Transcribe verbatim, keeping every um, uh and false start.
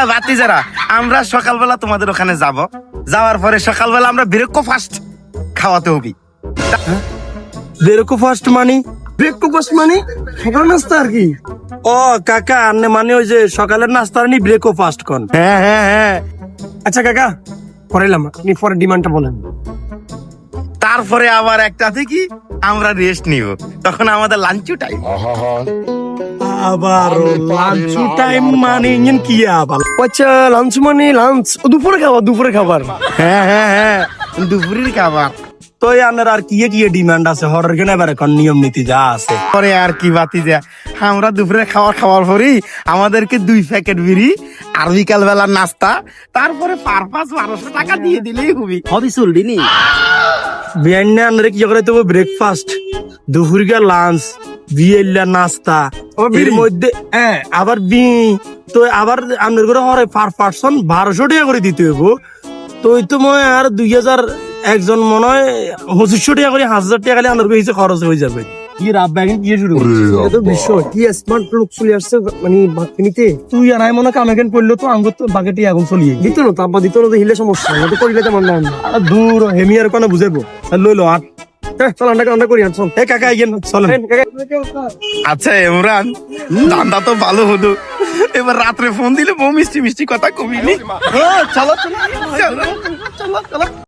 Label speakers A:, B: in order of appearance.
A: বাতি যারা আমরা সকালবেলা তোমাদের ওখানে যাব, যাওয়ার পরে সকালবেলা আমরা ব্রেকফাস্ট খাওয়াতে হবি।
B: ব্রেকফাস্ট মানে
C: ব্রেকফাস্ট মানে সকাল নাস্তা আর কি?
B: ও কাকা আন্নে মানে ওই যে সকালের নাস্তা নি ব্রেকফাস্ট কোন?
A: হ্যাঁ হ্যাঁ হ্যাঁ।
C: আচ্ছা কাকা করাইলাম, আপনি পরে ডিমান্ডটা বলেন।
A: তারপরে আবার একটা থেকে আমরা রেস্ট নিব, তখন আমাদের লাঞ্চ টাইম।
B: আবার লাঞ্চ টাইম মানে ইঞ্জিন কি আবার?
C: আচ্ছা লাঞ্চ মানে লাঞ্চ দুপুরে খাবার, দুপুরে খাবার।
A: হ্যাঁ হ্যাঁ হ্যাঁ, দুপুরের খাবার।
B: তো আন্নার আর কি কি ডিমান্ড আছে হরের কেন এবার এখন নিয়ম নীতি যা আছে?
A: পরে আর কি বাতি যা, আমরা দুপুরে খাওয়ার খাওয়ার পরেই আমাদেরকে দুই প্যাকেট বিড়ি আর বিকাল বেলার নাস্তা, তারপরে পার পাঁচ বারোশো টাকা দিয়ে দিলেই হবি।
D: হবি চলবি নি?
B: বিয়ান্নে আন্নারে কি করে দেবো? ব্রেকফাস্ট, দুপুরিকা লাঞ্চ, বিয়েলা নাস্তা, এর মধ্যে হ্যাঁ আবার বি তো আবার আপনার করে হরে পার পার্সন বারোশো টাকা করে দিতে হইব। তো ওই তো মনে হয় আর দুই হাজার একজন মনে হয় পঁচিশশো টাকা করে হাজার টাকা খালি আপনার হিসেবে খরচ হয়ে যাবে। কি রাব ব্যাগিং কি শুরু করছিস?
C: এটা তো বিষয় কি স্মার্ট লোক চলে আসছে মানে বাকিনিতে।
B: তুই আর আমি মনে হয় কামেকেন করলে তো আঙ্গুর তো বাকেটি এখন চলিয়ে
C: দিত না তারপর দিত না তো হিলে সমস্যা না তো করিলে তেমন না।
B: আর দূর হেমি আর কোনো বুঝাবো লইলো আর
C: চল আন্ডা আন্ডা করি আর চল।
B: এ কাকা ইয়েন চলেন।
A: আচ্ছা ইমরান, ধান্দা তো ভালো হলো, এবার রাত্রে ফোন দিলে বউ মিষ্টি মিষ্টি কথা কমিনি। চলো চলো চলো চলো।